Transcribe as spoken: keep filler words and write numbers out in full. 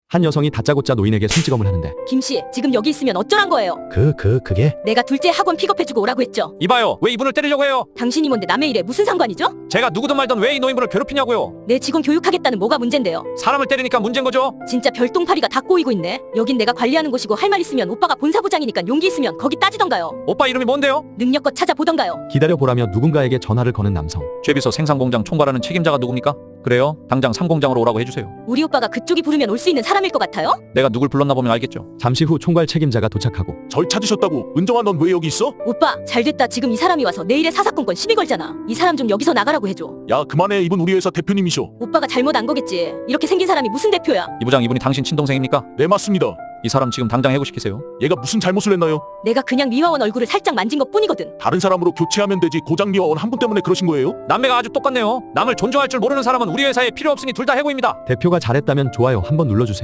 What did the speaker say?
한 여성이 다짜고짜 노인에게 손찌검을 하는데 김씨, 지금 여기 있으면 어쩌란 거예요? 그, 그, 그게? 내가 둘째 학원 픽업해주고 오라고 했죠. 이봐요, 왜 이분을 때리려고 해요? 당신이 뭔데 남의 일에 무슨 상관이죠? 제가 누구든 말든 왜 이 노인분을 괴롭히냐고요? 내 직원 교육하겠다는 뭐가 문젠데요? 사람을 때리니까 문제인 거죠? 진짜 별똥파리가 다 꼬이고 있네. 여긴 내가 관리하는 곳이고 할 말 있으면 오빠가 본사부장이니까 용기 있으면 거기 따지던가요. 오빠 이름이 뭔데요? 능력껏 찾아보던가요. 기다려보라며 누군가에게 전화를 거는 남성. 죄비서 생산공장 총괄하는 책임자가 누굽니까? 그래요? 당장 삼공장으로 오라고 해주세요. 우리 오빠가 그쪽이 부르면 올 수 있는 사람일 것 같아요? 내가 누굴 불렀나 보면 알겠죠. 잠시 후 총괄 책임자가 도착하고 절 찾으셨다고? 은정아, 넌 왜 여기 있어? 오빠, 잘됐다. 지금 이 사람이 와서 내일의 사사건건 시비 걸잖아. 이 사람 좀 여기서 나가라고 해줘. 야, 그만해. 이분 우리 회사 대표님이셔. 오빠가 잘못 안 거겠지. 이렇게 생긴 사람이 무슨 대표야? 이 부장, 이분이 당신 친동생입니까? 네, 맞습니다. 이 사람 지금 당장 해고시키세요. 얘가 무슨 잘못을 했나요? 내가 그냥 미화원 얼굴을 살짝 만진 것 뿐이거든. 다른 사람으로 교체하면 되지. 고장 미화원 한 분 때문에 그러신 거예요? 남매가 아주 똑같네요. 남을 존중할 줄 모르는 사람은 우리 회사에 필요 없으니 둘 다 해고입니다. 대표가 잘했다면 좋아요 한번 눌러주세요.